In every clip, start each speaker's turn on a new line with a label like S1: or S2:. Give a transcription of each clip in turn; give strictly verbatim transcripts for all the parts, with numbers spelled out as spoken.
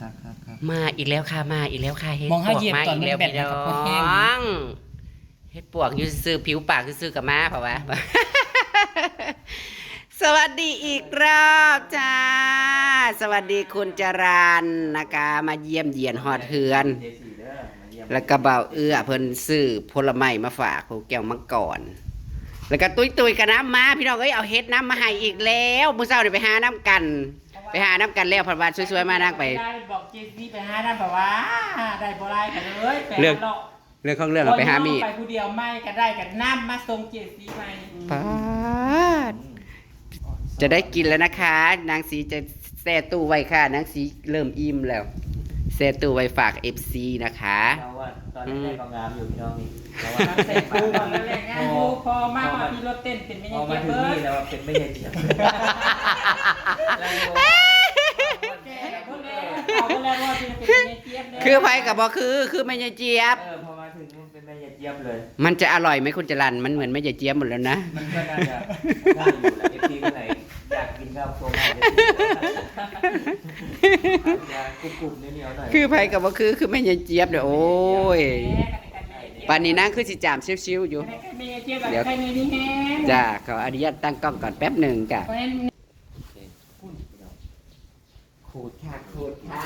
S1: ครับครับครับ
S2: มาอีกแล้วค่ะมาอีกแล้วค่ะเฮ็ด
S1: มอง
S2: ป
S1: ให้
S2: วก
S1: เหยียบ
S2: มา
S1: ก่อน
S2: อีกแล้ว
S1: มันแบ
S2: พี่
S1: บ
S2: น้
S1: มันก็แห้ง
S2: องเฮ็ดปวกอยู่ซื่อผิวปากซื่อกับมาเพราะว่า สวัสดีอีกรอบจ้าสวัสดีคุณจรันนะคะมาเยี่ยมเยียนฮอดเฮือน แล้วก็เบาเอื้อเพิ่นซื้อผลไม้มาฝากครูแก้วมังกรแล้วก็ตุ้ยตุ้ยกับน้ำมาพี่น้องเอ้ยเอาเฮ็ดน้ำมาให้อีกแล้วมื้อเช้านี่ไปหาน้ำกัน ไปหาน้ำกันแล้วเพราะว่าสวยๆมานั่งไป
S3: ได้บอกเจซี่ไปหาน้ำแบบว่าได้บ่ได้กันเลยไป
S2: เรื่อง
S3: หาเลาะ
S2: เรื่องของเรื่องเราไปหามีด
S3: ไปผู้เดียวไม่ก็ได้กันน้ำมาส่งเจซี่ไป
S2: ปาดจะได้กินแล้วนะคะ นางสีจะแช่ตู้ไว้ค่ะ นางสีเริ่มอิ่มแล้วแช่ตู้ไว้ฝาก เอฟ ซี นะคะ
S4: เราว่าตอนแรกๆก็งามอยู่พี่น้องนี่เราว่า
S3: เสร็จกูก่อนแล้วแหละงานกูพอมากมาที่รถเต้นเป็นไม่
S4: พ
S3: ยั
S4: อง
S3: เก็
S4: มา
S3: บ
S4: ถึง
S3: เบิร์
S4: นี่
S3: ด
S4: แล้วเป็นไม่ใช่เจียบ
S3: แกเพิ่งแล้วเขาเพิ่งแล้วว่าจะเป็นไม่ยังเจี๊ยบเลย
S2: คือไผกับบ่คือ คือแม่ยายเจี๊ยบ
S4: เออพอมาถึงมันเป็นไม่ใช่เจียบเลย
S2: มันจะอร่อยไหมคุณจรันมันเหมือนแม่ยายเจี๊ยบหมดแล้วนะ
S4: มันก็น่าจะน่าอยู่แหละเอฟซีคนไหนอยากกินข้าวโพดอยากกรุบๆเหนียวๆหน่อย
S2: คือไผกับบ่คือ คือแม่ยายเจี๊ยบเด้อโอ้ยปานนี้นางคือสิจามชิวๆอยู่
S3: เดี๋ยวใครในนี้แห้ง
S2: จ้าขออนุญาตตั้งกล้องก่อนแป๊บหนึ่งจ้ะ
S3: เพราะฉะนั้น
S2: ขูดค่ะขูดค่ะ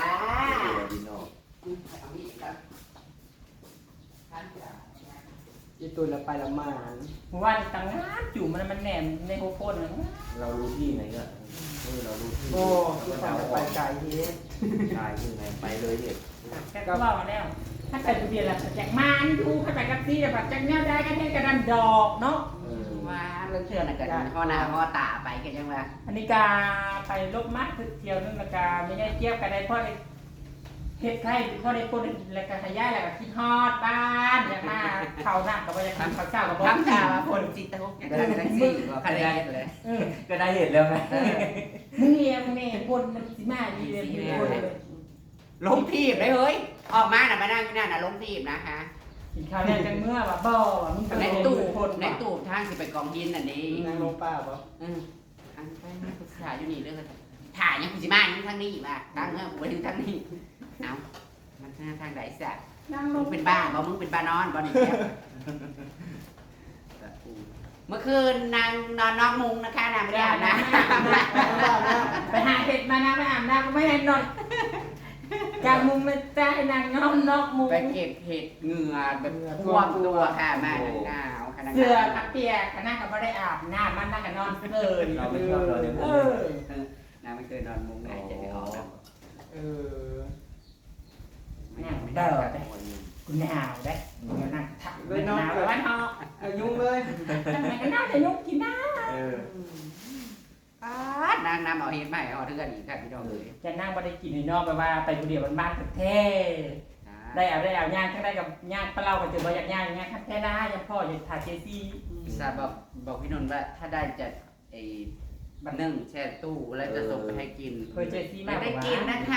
S1: อีตัวละไปละมาน
S3: ว่าตังงานจุ่มมันมันแหนมในโคโค่นะ
S4: เรารู้ที่ไหนก็เออเรารู้ที่
S1: โอ้คือความไปไกลเฮ็ด
S4: ใช่ที่ไหนไปเลยเด็ก
S3: แกก็ว่ามาแล้ว ถ้าไปดูเดียวละจากมันดูถ้าไปกับซีแต่แบบจากเนี้ยได้ก็ให้กระดันดอกเนาะ
S4: เออ
S2: ว่าเรื่องเชื่อน่ะกันห่อหน้าห่อตาไปกันยังว่า
S3: อันนี้กาไปลบมัดคือเที่ยวนึงละกาไม่ได้เกี่ยวกันได้เพราะได้เฮ็ดไข่เพราะได้ปนแล้วก็ขยายแล้วก็คิดฮอดบ้านอยากมาเข้าน้ำกับว่าจะทำข้าวเช้ากับบ่
S2: ทำข่าวว่าคนจิตตกอย่างนั้นทั้งสี่ก็คะแนนเลย
S3: เออ
S4: ก็ได้เห็นแล้วไง
S3: มึงเรียนมึงเนี่ยบนมันสิมาดีเลยมีคนเลย
S2: ลงทีบเลยเฮ้ย ออกมาน่ะมานั่งที่นั่นน่ะลงทีบนะคะ
S3: กินข้าวแน่จังเมื่อว่าบ่ว่ามึง
S2: ใน
S3: เป็น
S2: ตู้
S3: คน
S2: ในตู้ทางที่ไปกองดินน่ะนี่
S1: นางลงป้าปะ
S2: อืออันไปมาปรึกษาอยู่นี่เด้อถ่ายยังกูสิมาอยู่ทางนี้ว่าตั้งเฮ้อกูไปถึงทางนี้เอ้ามันทางทางไหนซะ
S3: นั่งล
S2: มึ
S3: ง
S2: งเป็นบ้าบ่มึงเป็นบ้านอนบ่นี่แจ๊บเมื่อคืนนางนอนนอกมุงนะคะนางไม่ได้อาบน้ำ
S3: ไปหาเห็ดมานะไปอาบน้ำก็ไม่เห็นนอนกลางมุงมันใจนางนอนนอกมุง
S2: ไปเก็บเห็ดเหงื่อแบบท่วมตัวค่ะมาหนาวขนาด
S3: เสื้อกับเปียกขนาดก็ไม่ได้อาบน้ำมันนั่งกับนอนเลย
S4: เราไม่ชอบเราเนี่ย
S3: เออ
S2: นางไม่เคยนอนมุงไหนจะไม่ออกแล้ว
S1: เออ
S3: นั่งเด้อได้กูหนาวได้กูนั่งทักเลยหนาววันฮอ
S1: เอายุ่งเลย
S3: ทำไมก็น่าจะยุกกินน้
S4: เออ
S2: ป๊าดนางนำเอาเห็ดมาให้เอาเทือนอีกค่ะพี่น้องเลย
S3: ำจะนั่งไม่ได้กินในนอกไปว่าไปคนเดียวมันบ้านแท้ได้เอาได้เอาย่างทั้งได้กับย่างปลาเล่าก็เจอว่าอยากย่างย่างแท้ได้ยังพ่ออยากทาเจซี่
S2: ทราบบอกบอกพี่นนท์ว่าถ้าได้จะไอ้บันนึ่งแช่ตู้แล้วจะส่งไปให้กิน
S3: เคยเจซี่
S2: ไม่
S3: มาก
S2: ได้กินนะคะ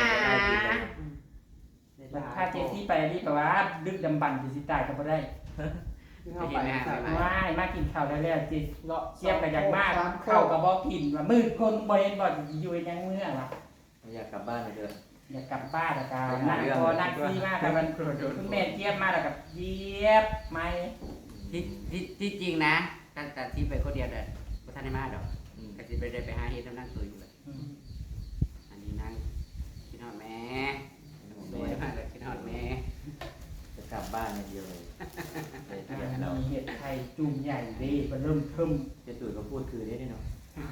S3: ถ้าเจซี่ไปนี่แปลว่าดึกดำบันเจซี่ตายก็ไม่ได้
S1: เอาไปใส่
S3: ว่ายมากินข้าวแล้วแล้วจิเชียบกันอย่างมากข้าวกับบอกกินว่ามืดคนบ่เห็นบ่อยู่ยังเมื่อวะ
S4: อยากกลับบ้านเลยเด้อ
S3: อยากกลับบ้านแล้วกันนั่งพอนั่งซีมากแต่มันคุณแม่เจี๊ยบมาแล้วกับเจี๊ยบไม่
S2: ที่ที่ที่จริงนะแต่แต่ที่ไปคนเดียวเด้อบ่ทันได้มาดอกก็สิไปได้ไปหาเฮ็ดน้ำนั่งตัวอยู่เลยอันนี้นั่งคิดฮอดแม่แม่มาแล้วคิดฮอดแม่
S4: จะกลับบ้านอย่างเดียวเลยไปเที่ยว
S3: มี
S4: เรา
S3: เห็ดไทยจุ่มใหญ่ดีมันเริ่มเทิม
S4: เจะตุ๋ยเขาพูดคือได้ด้วยเนาะ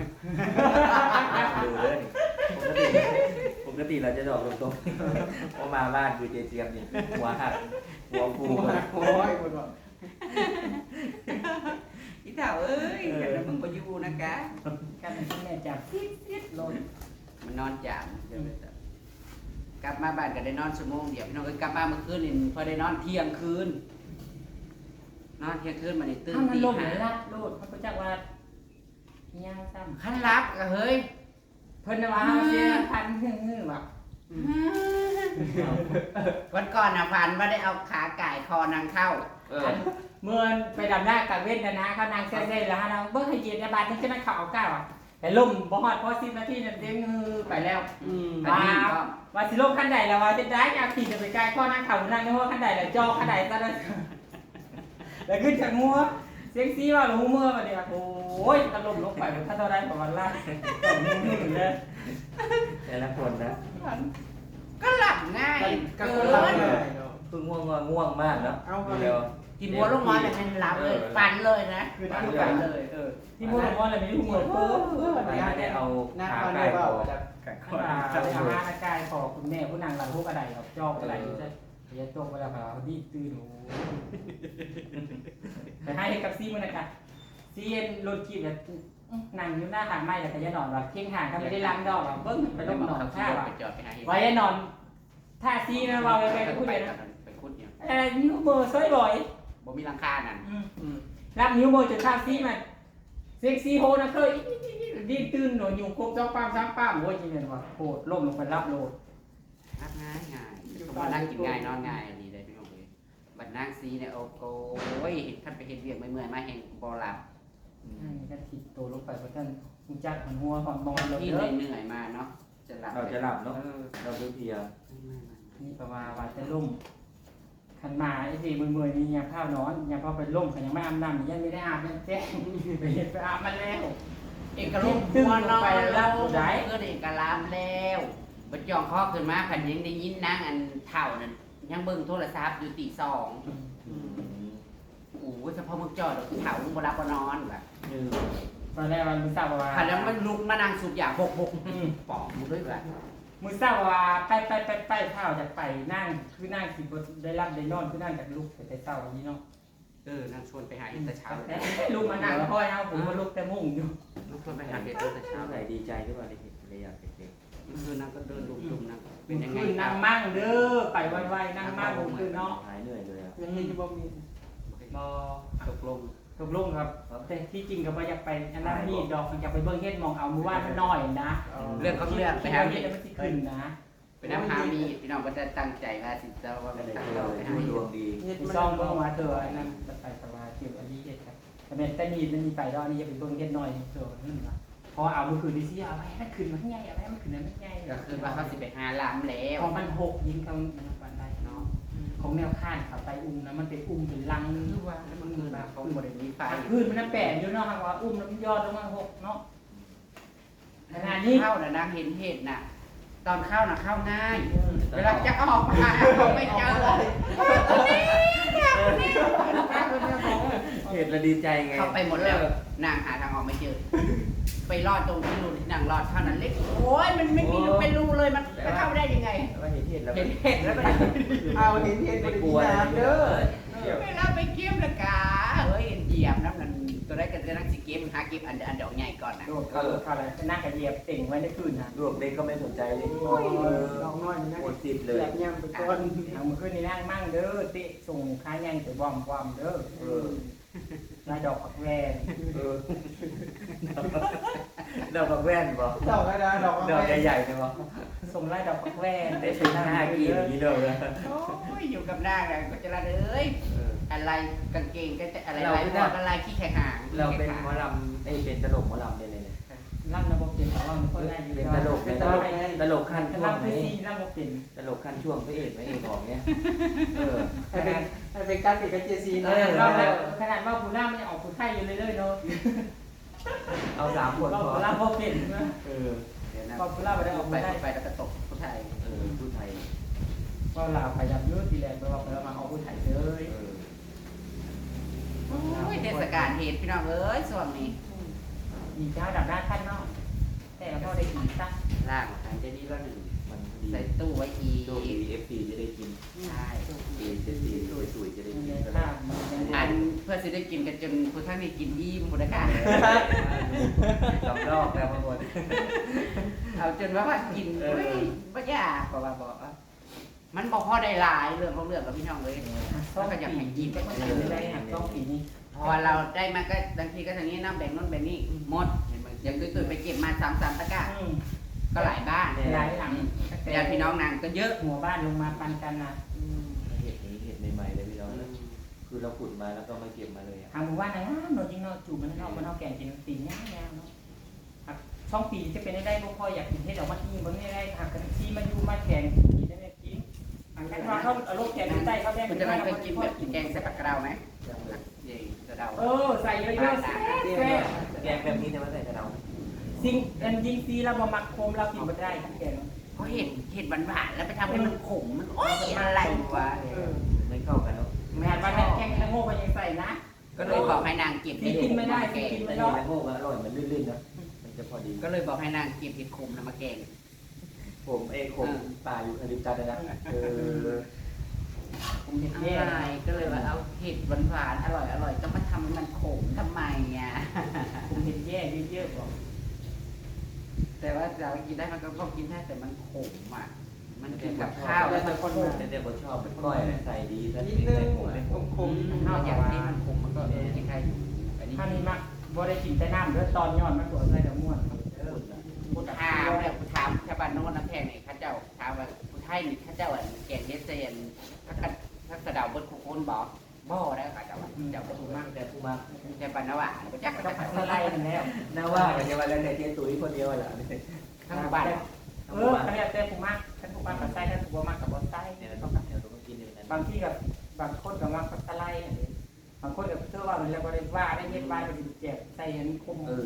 S4: ดูเลยปกติปกติเราจะดอกตรงๆพอมาบ้านคือเจเจียมนี่หัวหักหัวฟู
S1: โอ้ยคนบอก
S2: อีเฒ่าเอ้ยเดี๋ยวมึงบ่อยู่นะคะ
S3: กันคุณแม่จับซิดซิดลง
S2: มันนอนจามเดี๋ยวไปจับกลับมาบ้านก็ได้นอนชั่วโมงเดียวพี่น้องเอ้ยกลับมาเมื่อคืนนี่พอได้นอนเที่ยงคืนนอนเที่ยงคืนมานี่ตื่น
S3: ถ้ามัน
S2: ตี
S3: ลง
S2: ห้า
S3: ไหนลัดโลดเขาก็จักว่าย่างซ้ำ
S2: คันรับก็เฮ้ย
S3: เพิ่นว่าเสียพันหึ่งหึ่งว่ะ
S2: วันก่อนน่ะฝันว่าได้เอาขาไก่คอนางเข้า
S4: เออ
S3: เมื่อไปดำหน้ากับเว้นนะนะเขานางเซ่ๆแล้วฮะเราเบิ่งให้เย็นในบ้านที่ใช่ไหมเขาเอาก้าวอ่ะแต่ล่มบ่ฮอดพอสิบนาทีนั่นเด้งฮือไปแล้ว
S1: อืม
S2: อันนี้ก็
S3: ว่าสิลงขั้นใดแล้วว่าจะได้อยากขี่จะไปไกลข้อนั่งเข่านั่งในห้อขั้นใดแล้วจอขั้นใดซะแล้วแล้วขึ้นจากงัวเซ็กซี่ว่าหูเมื่อมาเนี่ยโอ้ยตลบลงไปถ้าเท่าไรประมาณล่าเลย
S4: แต่ละคนนะ
S2: ก็หลับง่าย
S1: ก็
S2: เกิ
S1: คนละ
S2: น
S1: เลยเนาะ
S4: คือง่วงง่วงง่วงมากเนาะ
S1: เอาไป
S4: เร็ว
S2: กินบัวลงมาเนี่ยมันหลับเลยฝันเลยนะ
S3: คือนั่งกันเลยเออที่พูดว่าอะไรไม่รู้เหมือนเพิ่มเพิ่ม
S4: ไม่ได้เอา
S1: หน้า
S4: ขา
S1: เขา
S4: ไก่
S1: เรียกว่า
S4: คอ
S1: จะ
S3: ขึ้นมาจะไปทำงานกายขอคุณแม่ผู้นางหลังพวกอะไรครับจอกอะไรอยู่ใช่จะจกเวลาเขาดีตื่นโอ้แต่ให้กับซีมันนะคะซีเอ็นโรนกีแบบนั่งอยู่หน้าหางไม้แต่จะนอนแบบเคียงห่างถ้าไม่ได้ล้างดอกแบบเบิ้งไปลงนอนท่าว่ะ
S2: ไปจอดไปหา
S3: ไว้นอนท่าซีนะเราไปพูดเลยนะ
S2: ไปคุดเนี่ย
S3: เออนิ้วมือซอยบ่อย
S2: บ่มีหลังคานั่น
S3: รับนิ้วมือจนท่าซีมันเซ็กซี่โฮนะเคยดีตื่นหนูอยู่ครบจ้องป้ามซ้ำป้ามโอ้ยจริงเลยว่ะโหดล่มลงไปรับโหลด
S2: รับง่ายง่ายมานั่งกินง่ายนอนง่ายดีเลยพี่น้องเลยบัดนั่งซีเนี่ยโอ้โหท่านไปเห็นเวียกเมื่อยมาแห่งบ่หลับ
S3: นี่ก็ถิดตัวลงไปเพราะท่านมุจักมันหัวหอนมอนเลย
S2: ที่
S3: เด้อ
S2: เหนื่อยมาเนาะจะหลับ
S4: เราจะหลับเนาะเราเพลีย
S3: นี่ประมาณว่าจะล่มขันมาไอ้ที่มือๆนี่ยังข้าวนอนยังพอไปล่มขันยังไม่อาบน้ำยังไม่ได้อาบยังแจ้งไปเห็นไปอาบมันแล้ว
S2: เอกลุกหัวนอนแล้วก็เอกลามแล้วบัดจองคอขึ้นมาขันยังได้ยินนางอันเท่านั้นยังเบิ่งโทรศัพท์อยู่ตีสองโอ้เฉพาะมึงจอดเท่ามึงบ่รับบ่นอนแบบ
S3: ตอนแรกมันมือเศร้าว่า
S2: ขันแล้วมันลุกมานั่งสูบยาหกหกปอกมึงด้วยแบบ
S3: มือเศร้าว่าไปไปไปไปเท่าจากไปนั่งคือนั่งสิบได้รับได้นอนคือนั่งจากลุกแต่เศร้าอย่างนี้เนาะ
S2: เออนั่งชวนไปหาอินแต่เช้า
S3: ลุกมานั่งค่อยเอาผมมาลุกแต่มุ่งอยู่
S2: ลุกชวนไปหาเด็กตั้งแต่เช้า
S4: ๆไหนดีใจด้วยว่าได้เห็นเลยอยากเห็น
S2: คือนั่งก็เดินดุมๆนั่งเป็นยังไง
S3: คือนั่งมั่งเด้อไปไวๆนั่งมั่งผมคือเนาะ
S4: หายเหนื่อยเลยอ่ะ
S1: ยังมีบ่มี
S3: บอ
S2: ตกลง
S3: ตกลงครับแต่ที่จริงก็บ่อยากไปอันนั้นนี่ดอกมันอยากไปเบิ่งเฮ็ดมองเอามือว่ามันน้อยนะ
S2: เรื่องเขาเรื่องไปหา
S3: เฮ็
S2: เด็
S3: ด
S2: ก
S3: มันสิขึ้นนะ
S2: ไปน้ำหามีพี่น้องก็จะตั้งใจว่าสิจะว่า
S4: ก็
S2: เป็น
S4: เลย
S2: ตั้ง
S4: เจ
S2: เรา
S4: อ
S2: ไป
S4: ด
S2: หา
S4: ดวงดี
S1: เฮ็ด
S3: มี
S1: มัน
S3: ซองเบิ่งมาเถอะอันนั้นจะไปสบายเกี่ยวอันนี้เฮ็ดครับแต่แม่นแต่นี่มันมีไปแล้วอันนี้จะไปเบิ่งเฮ็ดน้อยเถอะนั่นนะพอเอามือคืนดิสิเอาไว้มันขึ้นมันใหญ่เอาไว้มันขึ้นมันใหญ่
S2: ก็คือว่าเขาสิไปหาลามแล้ว
S3: ของมันหกยิงเขามันปันได้เนาะของแนวข้างเขาไปอุ้มนะมันเป็นอุ้มเป็นลังนึกว่าแล้วมัน
S2: คือ
S3: แบบ
S2: เขาบริมีไฟ
S3: พื้นมันน่ะแปะอยู่เนาะครับว่าอุ้มแล้วมันยอดลงมาหกเนาะขนาดนี้
S2: เข้าน่ะนางเห็นเหตุน่ะ ตอนเข้าน่ะเข้าง่าย เวลาจะออกมาไม่เจอ
S4: เห็นแล้วดีใจไง
S2: เข้าไปหมดแล้วนางหาทางออกไม่เจอ ไปรอดตรงที่รูที่นางรอดเท่านั้นเล็กโอ้ยมันไม่มีรูเป็นรูเลยมันจะเข้าได้ยังไง
S4: ว่าเห็นเห็นแล้ว
S2: เห็นเห็นแล้วก็
S1: เอาเห็นเห็นบ่ได้กินน้ำเด้อ
S2: เวลาไปเก็บละกาเฮ้ยเหยียบน้ำนั่นตัวได้กันจะนั่งสิเก็บหาเก็บอันอันดอกใหญ่ก่อนนะ
S3: โดดเขาเขาอะไรนั่งกระเหยียบเต่งไว้ในคืนนะ
S4: ดวงเด็กก็ไม่สนใจเลย
S1: โอ้ยน้องน้อยนะ
S4: หมดสิทธิ์เลย
S1: แยกย่ำไปก่อน
S3: เอามือขึ้นนี่นั่งมั่งเด้อเตะส่งค้ายังแต่บอมบอมเด้อ
S4: เออ
S3: ลายดอกผักแวน
S4: เออดอกกับแว่นบ่
S1: ดอกอะไรดอก
S4: ดอกใหญ่ๆใช่บ่
S3: ส่งลายดอกผักแวน
S4: ได้เป็นหน้ากีบอย่างนี้เลยนะ
S2: โอ้ยอยู่กับนางก็จะละเอ้ยอะไรกางเกงก็จะอะไร
S4: เรา
S2: อะไร
S4: ไม่
S2: บ
S4: ได้
S2: อกอะไรขี้แขกหาง
S4: เราเป็นหมอลำไอ้เป็นตลกหมอลำได้เลยเนี่ย
S3: ล่ำระบบเป็นแต่ว่าคนแรกอยู่
S4: เป็นตลกเป็นตลกตลกขั้นช่วง
S3: ล่ำ
S4: ไหน
S3: ที่สี่ล่ำระบบเป็น
S4: ตลกขั้นช่วงพระเอกพระเอกของเนี้ยเออ
S1: ให้เป็นให้เป็นการติดกับเจซี
S3: เอ
S1: นะ
S3: อเราแบบขนาดว่าผู้ล่ำมันยังออกผู้ไทยอยู่เลยเลยเนาะ
S4: เอาสามคน
S3: ว่า
S4: พอ
S3: ผู้ล่ำระบบเป็นนะ
S4: เออ
S2: เดี๋ยวนะ
S3: ว่าผู้ล่ำไม่ได้ออก
S2: ไป
S3: ผู้ไทย
S2: ไปแล้วก็ตกผู้ไทย
S4: เออผู้ไทย
S3: ว่าลาวขยับยืดทีแรกไปว่าไปแล้วมาออกผู้ไทยเลย
S4: เออ
S2: โอ้ยเทศกาลเหตุพี่น้องเอ้ยส่วนนี้
S3: มีเจ้าดับหน้าท่านเนาะแต่เราได้กินซะ
S2: ล่างทางเจนี่ก็หนึ่ง
S4: มันดี
S2: ใส่ตู้ไว้อี
S4: ตัวดีเอฟซีจะได้กิน
S2: ใช่
S4: เอเจซีสวยๆจะได้
S3: มัน
S4: กิน
S3: เลย
S4: กัน
S3: ข้ามมัน
S2: อันเพื่อจะได้กินกันจนผู้ทั้งนี้กินอิ่มหมดนะคะ
S4: สำรอกแล้วบางคน
S2: เอาจนว่าว่ากิน
S4: เออ
S2: เฮ้ยบ่ยากกว่าบอกว่ามันบอกพ่อได้หลายเรื่องของเรื่องกับพี่น้องเลย
S3: ต้องอยากให้กินแต่ก็ไม่ได้หักต้องปีนี้
S2: พอเราได้มาก็บางทีก็ทางนี้น้ำแบ่งโน้นแบ่งนี่หมดเห็นไหมอย่างตุ้ยๆไปเก็บมาสามสามตะกร้าก็หลายบ้าน
S3: หลายหลัง
S2: ญาติพี่น้องนางก็เยอะ
S3: หัวบ้านลงมาปันกันนะ
S4: เห็ดนี้เห็ดใหม่ๆเลยพี่น้องคือเราขุดมาแล้วก็มาเก็บมาเลยอ่ะ
S3: ทางหมู่บ้านนะโนจริงเนาะจูบมันนอกมันนอกแก่งกินตีนย่างๆเนาะช่องปีจะเป็นได้บ่พออยากกินเฮ็ดออกมาอีบ่ได้ได้หากกันที่มาอยู่มาแข่งกินได้กินอันนั้นว่าเขาเอาลูกแข่งใต้เขาได้
S2: คุณจะเคยกินแบบแกงใส่ผักกระเดาไหมเย่กระเดา
S3: เออใส่เยอะๆแซ่บ
S4: แกงแบบนี้แต่ว่าใส่กระเดา
S3: สิ่งอันยิงซีเราบ่มักโคมเรากินบ่ได้ทั้งแกง
S2: เพราะเห็ดเห็ดหวานๆแล้วไปทำให้มันขมมันโอ๊ยอะไรวะ
S3: เออ
S4: ไม่เข้ากันเนาะ
S3: แม่นว่าแข่งละโง่ก็ยังใส่นะ
S2: ก็เลยบอกให้นางเก็บ
S3: กินไม่ได้
S2: แกง
S3: กิน
S4: แต่
S3: ไม่
S4: นี่
S3: ได้
S4: แมงโก้ก็อร่อยมันลื่นๆนะมันจะพอดี
S2: ก็เลยบอกให้นางเก็บเห็ดขมแล้วมาแกง
S4: ผมเองผมป่าอยู่อริมจันทร์นะเออ
S3: ผมเห็น
S2: อะ
S3: แย่
S2: ไรก็เลยว่าเอาเห็ดหวานๆอร่อยอร่อยๆก็มาทำให้มันขมทำไมอ่ะ
S3: ผมเห็นแย่เยอะๆบอก
S2: แต่ว่าเรากินได้มันก็พอกินได้แต่มันขมอ่ะมันกินกับข้าวแล้วมันขม
S4: แต่เด็กคนชอบเป็นก้อยใส่ดีถ้า
S1: นิด
S4: ไม่
S1: นึ
S4: ใส่
S1: ง
S4: ผมไม่
S1: ค
S4: ผม
S1: มคม
S2: นอกจากที่มันขมมันก็เออกินได้อยู่อันนี้
S3: ถ้านี่มักบ่ได้กินแต่น้ำเด้อตอนย้อนมันบ่ใส่ดอกม่วน
S2: กูถามแล้วกูถามชาวบ้านโน้นน้ำแพงนี่ข้าเจ้าถามว่ากูไทยนี่ข้าเจ้าอ่ะแกงเฮ็ดเซนถ้ากันถ้ากระเดาเบิดคุคนบอกบ่ได้ข้าเจ้าเจ้าก็ถูกมาก
S4: แต่ผู้มา
S2: แต่ปันนว่าก็จัก
S3: ก็
S2: ก็
S3: ผั
S2: ผั
S3: ด
S2: ด
S3: สไลด์นั่นแล้ว
S4: น่าว่ากันจะว่าแล้วแต่เจ๊ตุ้ยคนเดียวแหละ
S2: ทั้งบ้าน
S3: เออเขาเรียกแต่ผู้มักท่านผู้มักกับไส้ท่านผู้บ่มักกับบ่ไส้
S4: เนี่ยเราต้องเราต้องกินอย่างนั้น
S3: บางที่กับบางคนก็มักกับสไลด์นั่นเองบางคนก็เชื่อว่ามันแล้วบ่ได้ว่าได้เฮ็ดว่าก็สิเจ็บใส่อันคม
S4: เออบ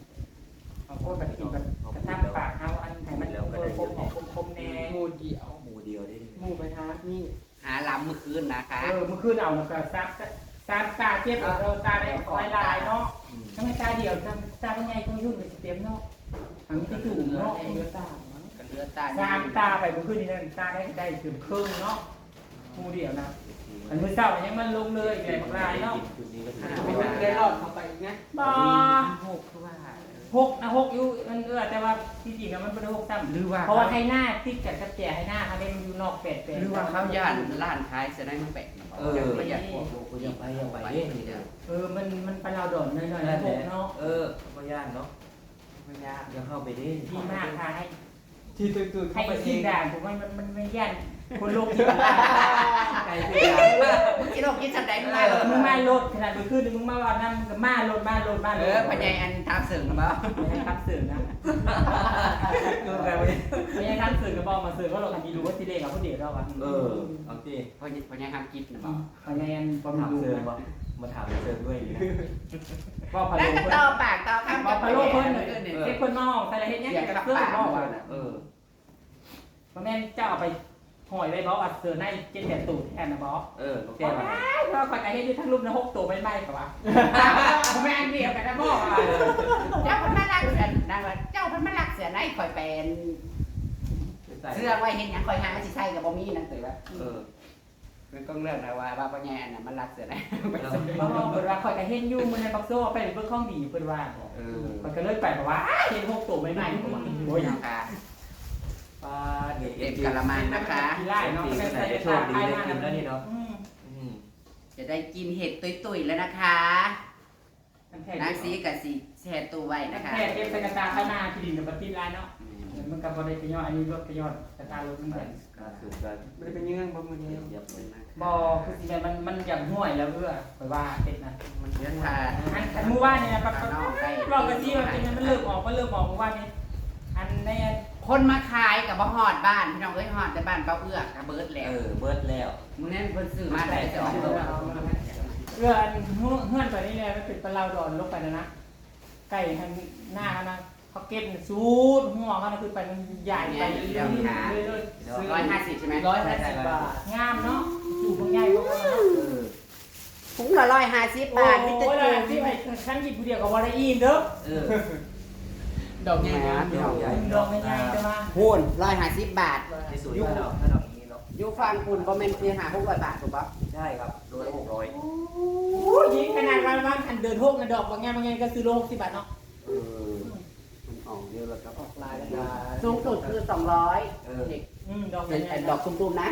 S3: างคนก็กินแบบกระทั่งปากเฮาอันให้มันเออคมออกคมๆแน่
S1: งูเดียว
S4: หมูเดียวได้
S3: หมู่ไปหานี่
S2: หาลำเมื่อคืนนะคะ
S3: เออเมื่อคืนเอาแล้วก็ซักซักตาเจ็บเออตาได้คอยลายเนาะถ้าไม่ตาเดียวตาตาเป็นไงก็ยุ่งไปเต็มเนาะอันนี้ก็ถูกเนาะเลือดตา
S2: ก็เลือดตา
S3: สามตาไปเมื่อคืนนี้นั่นตาได้ได้ถึงครึ่งเนาะมูเดียวนะอันมื้อเช้ายังมันลงเลยใหญ่ลายเนาะ
S4: จุดนี้ก็ถือ
S1: ไม่มันได้รอดเข้าไปอีกนะ
S3: บ่
S2: หกคือว่า
S3: หกนะหกอยู่มันเอื้อแต่ว่าที่จริงมันเป็นหกซ้ำ
S2: หรือว่า
S3: เพราะว่าให้หน้าติดกับกระแจให้หน้าเขาเล่นอยู่นอกแปดแปด
S2: หรือว่าเขาย่านล้านขายจะได้มาแปะประหยัดพวก
S4: กูยังไปยังไปนี่เด้อ
S3: เออมันมันเป็นเราโดนหน่อยๆ
S4: นั่น
S3: ห
S4: แหละ
S3: กเนาะ
S4: เออก็ย่านเนาะ
S2: ไม่ยาก
S4: ยังเข้าไปดิ
S3: ดีมากค่ะให้
S1: ที่ตื่นๆ
S3: ให้
S1: เข้าไปเอ
S3: ที
S1: ง
S3: ด่านผมว่ามันมันไม่ยันคนโลกที่มัน
S4: ไก่คืออย่าง
S2: มึงกินโลกกินสันใดมึงมา
S3: มึงมาโลดขนาดมึงขึ้นมึงมาว่านั่นมึงก็มาโลดมาโลดมาโล
S2: เอ
S3: ด
S2: อพญายอันทามเสริมหรือเปล่า
S3: ไม่ให้ทับสื่อนะ
S4: คือแบบ
S3: ไม่ให้ทับสื่อก็บอกมาสื่อว่าเราทำดีรู้ว่าทีเด็กกับผู้เด็กเราอ่ะ
S4: เออเอาสิ
S2: พญายพญายทำกินหรือเปล่า
S3: พยายามประ
S4: ถาม
S3: ดู
S4: เซิร์ฟบ่มาถามเซิร์ฟด้วยนะ
S3: ว่าพะ
S2: แล้ว
S3: โล้
S2: ก็
S3: เพิ่น
S2: ต่อปากต่อคำ
S3: ว่า
S2: กับ
S3: พะโล้เพิ่นเนี่ยเช็คเพิ่นนอกแต่ละเฮ็ดเนี่ยกับเสื้อบอกว่า
S4: เออ
S3: เพราะแม่เจ้าเอาไปห่อยไว้บอกว่าเสื้อในเจ็ดแปดตูดแทนนะบอก
S4: เออโอเค
S3: แต่ว่าเพราะก่อนไอ้เฮ็ดอยู่ทั้งรูปนะหกตัวไม่ไหม้กับว่าแม่เดียวกันนะบอกว่า
S2: เจ้าพันมาลักเสือนางว่าเจ้าพันมาลักเสือในคอยเป็นเสื้อไว้เห็นยังคอยหาสิใส่กับบ่มีนั่นตือว่า
S4: เออ
S2: มันก็เรื่องนะว่าว่าพญายอันน่ะมันลักเสือใน
S3: เพิ่นว่าคอยก็เฮ็ดอยู่มื้อในบักโซ่ไปเบิ่งของดีเพิ่นว่า
S4: เออ
S3: มันก็เลยไปบอกว่าเฮ็ดหกตัวไม่ไหม้ผมว่า
S2: โอ้
S3: โอ้
S2: ย
S3: ย
S2: ค่ะ
S4: ป้าเด็ก
S2: เต็มกะละมังนะคะ
S3: กีฬาเนาะ
S4: ดี
S3: ไม่
S4: ขนา
S3: ใส่
S4: ดได้โช
S3: ตา
S4: คดี
S3: ไอ้
S4: ได้
S3: มา
S4: กินแล้วนี่เนาะ
S3: อืม
S4: อืม
S2: จะได้กินเห็ดตุยๆแล้วนะคะ
S3: มันแค่
S2: นางสีกับสีแช่ตู้ไว้นะคะ
S3: แค่เก็บใส่กระตาข้างหน้าที่ดินกับปฏิลายเนาะมันก็บ่ได้ไปย้อนอันนี้รถไปย้อนกระตารถมันแบบ
S4: การสืบกัน
S1: ไม่ได้เป็นเยื่องบ่มือ
S4: เยี
S1: นี้
S4: ยบเยียบเลย
S3: บ่คือสิมันมันอย่างห่วยแล้วเอื้อไปว่าเฮ็ดนะ
S2: มันเยอะค่ะ
S3: อันอันเมื่อวานนี่นะปะ
S2: ข้างนอกได้
S3: บอกกันที่ว่าเป็นมันเลิกออกก็เลิกออกเมื่อวานนี้อันใน
S2: คนมาขายกับบ่ฮอดบ้านพี่น้องเอ้ยฮอดแต่บ้านเป้าเอื้อกกับเบิร์ดแหล้
S4: เอ
S2: ว
S4: อเบิร์ดแล้ว
S2: มึงนั่นเพิ่นซื้อมาได้สองตัว
S3: เอื้ออันเฮือนไปนี่เลยมันเป็นปลาเราดอนลงไปนะนะไก่ทางหน้าเขานะเขาเก็บสูดหัวเขานะคือไปมันใหญ่ไปเรื่อยๆเรื่อย
S2: ร้อยห้าสิบใช่ไหม
S3: ๆร้อยห้าสิบบาทงามเนาะดูมันใหญ่กว่าเนาะ
S4: เออ
S2: ถุงละร้อยห้าสิบบาทนี่จะ
S3: โอ้ย
S2: จู
S3: ที่ไปชั้นหยิบผู้เดียวกับวอลเลย์อินเด้อ
S4: เออ
S1: ดอกใหญ่
S2: พี่น้อง
S4: ใหญ่
S3: ดอกใหญ่ๆจะมา
S2: พูนร้อยห้าสิบบาท
S4: ในสูตรถ้าเราถ้าเราอย่างนี้เนาะ
S2: อยู่ฟังคุณบ่แม่นคือหาหกร้อยบาทถูกปะ
S4: ใช่ครับโลละหกร้อย
S3: โอ้ยยิงขนาดวันวันอันเดินโฮกนะดอกบางแง่บางแง่ก็ซื้อโลหกสิบบาทเนาะ
S4: เออ
S2: มันออกเยอะแล้วครับ
S3: ออกลายแล้ว
S2: สูงสุดคือสองร้อย
S4: เออ
S2: เด็ก
S3: อืมดอก
S2: เป็น
S3: ใหญ่
S2: ดอกตุ้มๆนะ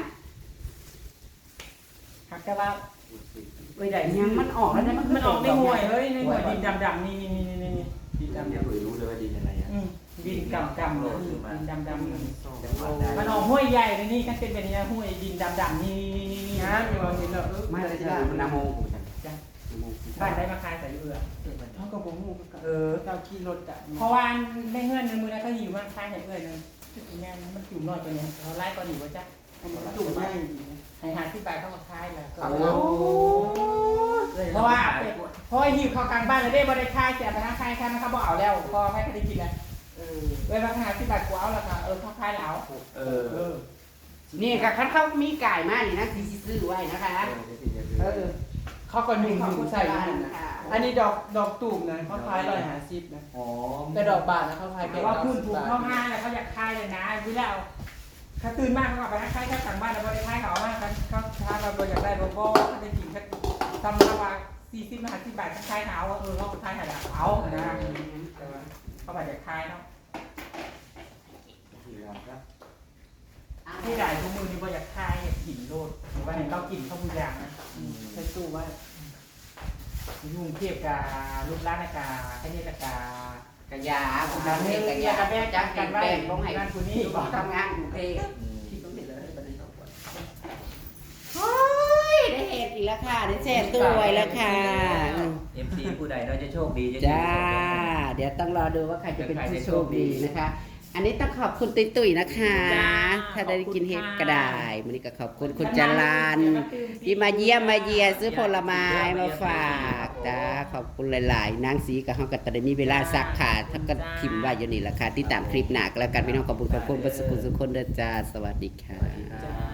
S3: หักแต่ว่า
S2: เอ้ยได้ยังมันออกแล้วเนี่ยมัน
S3: มันออกในห่วยเฮ้ยในห่วยดินดำๆนี่นี่นี่นี่นี่ดิน
S4: จำ
S3: ดำ
S4: เนี่ยคุยรู้เลยว่าดีอะไรอ่ะ
S3: อืมดินกำกำเลยดินดำดำ
S4: จังหวัดได้
S3: มันออกห้วยใหญ่เลยนี่กันเป็นแบบนี้ห้วยดินดำดำนี่นี่นี่นี่
S1: งามอยู่ว่าเห็นแล้ว
S2: ไม่เลยจ้ะมันนาโมกูจัง
S3: จ้ะบ้านได้มาขายใส่เอือ
S1: เท่ากับผมงูกับ
S3: เออ
S1: เจ้าขี่รถจักร
S3: เพราะว่าในเงื่อนในมือนั้นเขาหิวมันขายใส่เอือนึงแม่มันจุ่มน้อยตัวนี้เขาไล่ก่อนหนีว่าจ้ะ
S1: อันนี้ตุ่มใหญ่ดีนะ
S3: ให้หาที่บายเข้ามาขายแล้วก็
S1: โอ้
S3: เพราะว่าเพราะหิวเข้ากลางบ้านเลยได้บ่ได้ขายเสียไปทางขายค่ะมันเขาบอกเอาแล้วพอไม่ได้กินแล้ว
S1: เออ
S3: เวลาหาที่บายกูเอาแล้วค่ะเออเขาขายแล้ว
S4: เออ
S3: เออ
S2: นี่ก็คันเขามีไก่มานี่นะสิซื้อไว้นะคะ
S1: เออเขาก็ยุ่งยุ่งใส่อยู่นั่นนะอันนี้ดอกดอกตูมนะเขาขายร้อยห้าสิบนะ
S4: อ๋อ
S1: แต่ดอกบานนะเขาขาย
S3: แต่
S1: แค่
S3: ว่า
S1: เก้า
S3: พื้น
S1: สิบ
S3: ถูก
S1: บาท
S3: เข้าห้างแล้วเขาอยากขายเลยนะวิแล้วเขาตื่นมากเขาก็ไปขายแค่ต่างบ้านแล้วบ่ได้ขายเขาว่าเขาเขาถ้าเราบ่อยากได้โลโก้เขาได้กินแค่ทำมาว่าสี่สิบห้าสิบบาทเขาขายเขาเออเขาขายให้แล้วเอานะแต่ว่าเขาบอกจะขายเนาะ
S4: ที่เราครับ
S3: ที่ได้ทุกมือนี่บ่อยากขายอยากกินโลดหรือว่าเห็นเรากินข้าวผู้ยางนะ
S1: ใช้ตู้ไว้
S3: ยุ่งเทียบกับรูปร้านอากาไอ้นี่อากา
S2: กระยาคุณทำให้กระยาจักกันแป้งลงให้คุณนี่ทำงานกรุงเทพ
S1: ที่ต้องติดเลยประเด็นสองคน
S2: โอ้ยได้เห็ดอีกแล้วค่ะได้แช่ตัวไว้แล้วค่ะ
S4: เอ็มซีผู้ใดเราจะโชคดีจะ
S2: จ้า เดี๋ยวต้องรอดูว่าใครจะเป็นผู้โชคดีนะคะ อันนี้ต้องขอบคุณตุ้ยตุ้ยนะคะ ถ้าได้กินเห็ดก็ได้วันนี้ก็ขอบคุณคุณจรันที่มาเยี่ยมมาเยียซื้อผลไม้มาฝากจ้าขอบคุณหลายๆนางสีกับห้องกัตตะมีเวลาซักค่ะถ้าก็พิมพ์ไว้อยู่นี่แหละค่ะที่ตามคลิปหนักแล้วกันพี่น้องขอบคุณขอบคุณประสุขสุขคนเด้อจ้าสวัสดีค่ะ
S4: จ้า